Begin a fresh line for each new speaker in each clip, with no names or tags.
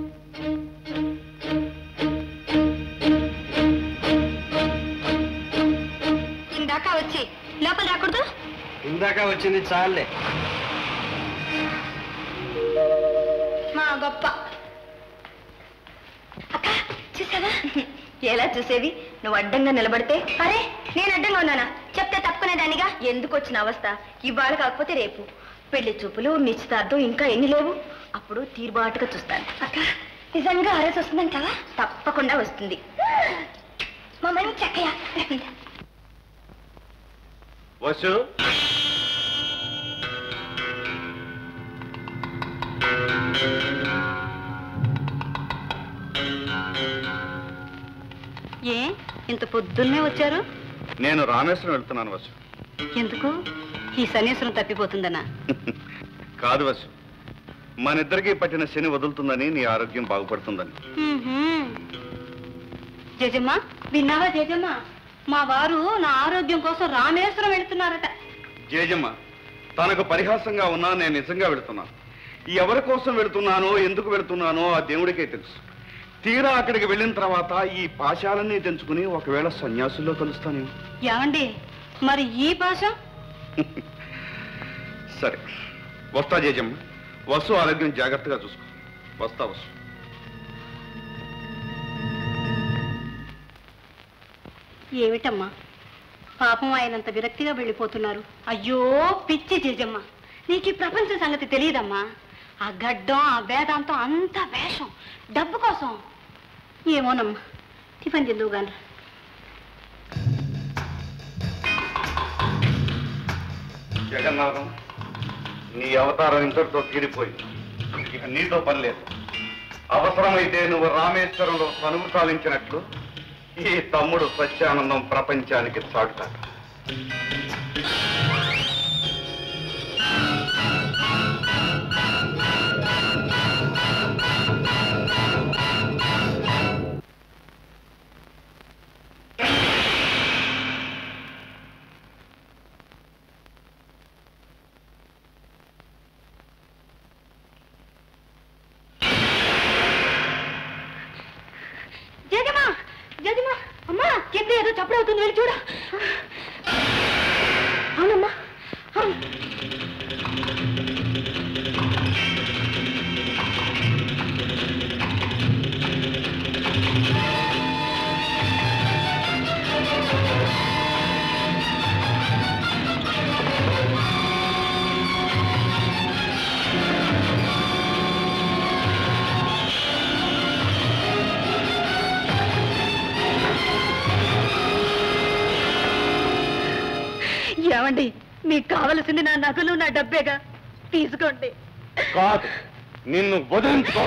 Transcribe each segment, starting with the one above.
ఇందాక వచ్చి లోపల రాకూడదు.
ఇందాక వచ్చింది చాలే.
మా గొప్ప అక్క చూసావా? ఎలా చూసేవి? నువ్వు అడ్డంగా నిలబడితే. అరే నేను అడ్డంగా ఉన్నానా? చెప్తే తప్పుకునేదానిగా. ఎందుకు వచ్చిన అవస్థ? ఇవాళ కాకపోతే రేపు పెళ్లి చూపులు, నిశ్చితార్థం ఇంకా ఎన్ని లేవు? అప్పుడు తీరుబాటుగా చూస్తాను. అక్క నిజంగా ఆరేసి వస్తుందంటావా? తప్పకుండా వస్తుంది. మా మని చక్కయ్య
వసు
ఏ ఇంత పొద్దున్నే వచ్చారు?
నేను రామేశ్వరం వెళ్తున్నాను వసు.
ఎందుకు? ఈ సన్యాసం తప్పిపోతుందనా?
కాదు వసు, మనిద్దరికీ పట్టిన శని వదులుతుందని, నీ ఆరోగ్యం బాగుపడుతుందని.
జజమ్మ విన్నావా? జజమ్మ మా వారు నా ఆరోగ్యం కోసం రామేశ్వరం వెళుతున్నారట.
జేజమ్మ తనకు పరిహాసంగా ఉన్నా నేను నిజంగా వెళుతున్నాను. ఎవరి కోసం వెళుతున్నానో, ఎందుకు వెళుతున్నానో ఆ దేవుడికే తెలుసు. తీరా అక్కడికి వెళ్ళిన తర్వాత ఈ పాశాలన్నీ తెంచుకుని ఒకవేళ సన్యాసుల్లో కలుస్తాను.
ఏమండి మరి ఈ భాష?
సరే వస్తా జేజమ్మ. వసు ఆరోగ్యం జాగ్రత్తగా చూసుకో. వస్తా వసు.
ఏమిటమ్మా పాపం ఆయనంత విరక్తిగా వెళ్ళిపోతున్నారు. అయ్యో పిచ్చి జేజమ్మ, నీకు ఈ ప్రపంచ సంగతి తెలియదమ్మా. ఆ గడ్డం, ఆ వేదాంతం అంతా వేషం, డబ్బు కోసం. ఏమోనమ్మా, టిఫిన్ తిందువు గాని.
జగన్నాథం, నీ అవతారం ఇంతటితో తీరిపోయింది. ఇక నీతో పని లేదు. అవసరమైతే నువ్వు రామేశ్వరంలో తనువు సాధించినట్లు ఈ తమ్ముడు సత్యానందం ప్రపంచానికి చాటుతాడు.
అమ్మా కింద ఏదో చప్పుడు అవుతుంది, వెళ్ళి చూడ. అవునమ్మా అవును. ఏమండి మీకు కావలసింది నా నగలు, నా డబ్బేగా, తీసుకోండి.
కాదు, నిన్ను వదిలించుకో.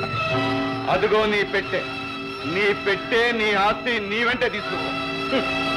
అదిగో నీ పెట్టే, నీ ఆస్తి నీ వెంటే తీసుకో.